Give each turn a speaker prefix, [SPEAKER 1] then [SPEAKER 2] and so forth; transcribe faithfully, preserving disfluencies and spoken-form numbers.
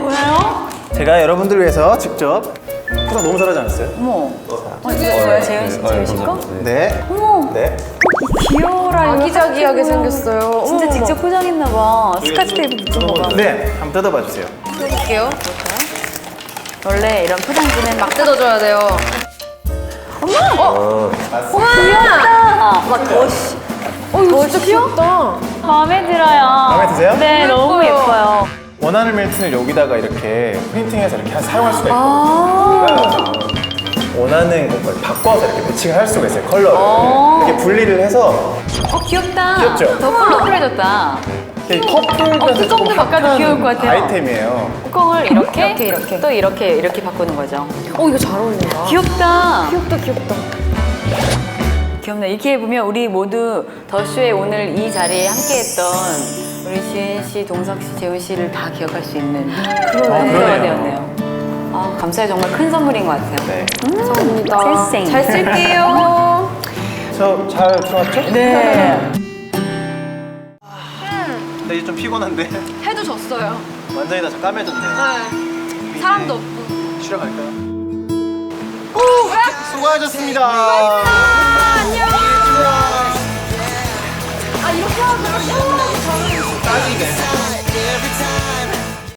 [SPEAKER 1] 뭐예요?
[SPEAKER 2] 제가 여러분들 위해서 직접 포장 너무 잘하지 않았어요?
[SPEAKER 1] 어머. 어, 이거 뭐야? 재현 씨, 재현 씨 거?
[SPEAKER 2] 네.
[SPEAKER 1] 어머.
[SPEAKER 2] 네.
[SPEAKER 1] 귀여워라.
[SPEAKER 3] 아기자기하게 생겼어요.
[SPEAKER 1] 진짜
[SPEAKER 3] 어머,
[SPEAKER 1] 직접 포장했나 봐. 스카치 테이프 붙인 거가.
[SPEAKER 2] 네. 한번 뜯어봐 주세요.
[SPEAKER 3] 뜯을게요.
[SPEAKER 1] 원래 이런 포장지는 막
[SPEAKER 3] 뜯어줘야 돼요.
[SPEAKER 2] 어.
[SPEAKER 1] 귀엽다. 막 더시.
[SPEAKER 3] 어, 이거 진짜 귀엽다.
[SPEAKER 1] 마음에 들어요.
[SPEAKER 2] 마음에 드세요?
[SPEAKER 1] 네, 너무 예뻐요.
[SPEAKER 2] 원하는 밀튼을 여기다가 이렇게 프린팅해서 이렇게 사용할 수가 있고
[SPEAKER 1] 아.
[SPEAKER 2] 원하는 것걸 바꿔서 이렇게 매칭을 할 수가 있어요. 컬러를
[SPEAKER 1] 어.
[SPEAKER 2] 이렇게 분리를 해서
[SPEAKER 1] 어, 귀엽다.
[SPEAKER 2] 귀엽죠?
[SPEAKER 1] 더 컬러풀해졌다.
[SPEAKER 2] 이 커플에서
[SPEAKER 1] 뚜껑도 바꿔도 귀여울 것 같아요.
[SPEAKER 2] 아이템이에요.
[SPEAKER 1] 뚜껑을 이렇게,
[SPEAKER 3] 이렇게, 이렇게.
[SPEAKER 1] 또 이렇게, 이렇게 바꾸는 거죠.
[SPEAKER 3] 어, 이거 잘 어울린다.
[SPEAKER 1] 귀엽다.
[SPEAKER 3] 귀엽다, 귀엽다.
[SPEAKER 1] 귀엽네. 이렇게 해보면 우리 모두 더쇼에 오늘 이 자리에 함께했던 우리 지은 씨, 동석 씨, 재훈 씨를 다 기억할 수 있는 그런
[SPEAKER 2] 아,
[SPEAKER 1] 무대가
[SPEAKER 2] 그러네요.
[SPEAKER 1] 되었네요. 아, 감사해요. 정말 큰 선물인 것 같아요.
[SPEAKER 2] 네.
[SPEAKER 3] 감사합니다.
[SPEAKER 1] 쌩쌩.
[SPEAKER 3] 잘 쓸게요.
[SPEAKER 2] 저 잘 들어왔죠?
[SPEAKER 1] 네.
[SPEAKER 2] 근데 이제 좀 피곤한데
[SPEAKER 3] 해도 졌어요.
[SPEAKER 2] 완전히 다 까매졌네.
[SPEAKER 3] 네. 사람도 없고.
[SPEAKER 2] 쉬러 갈까요? 수고하셨습니다.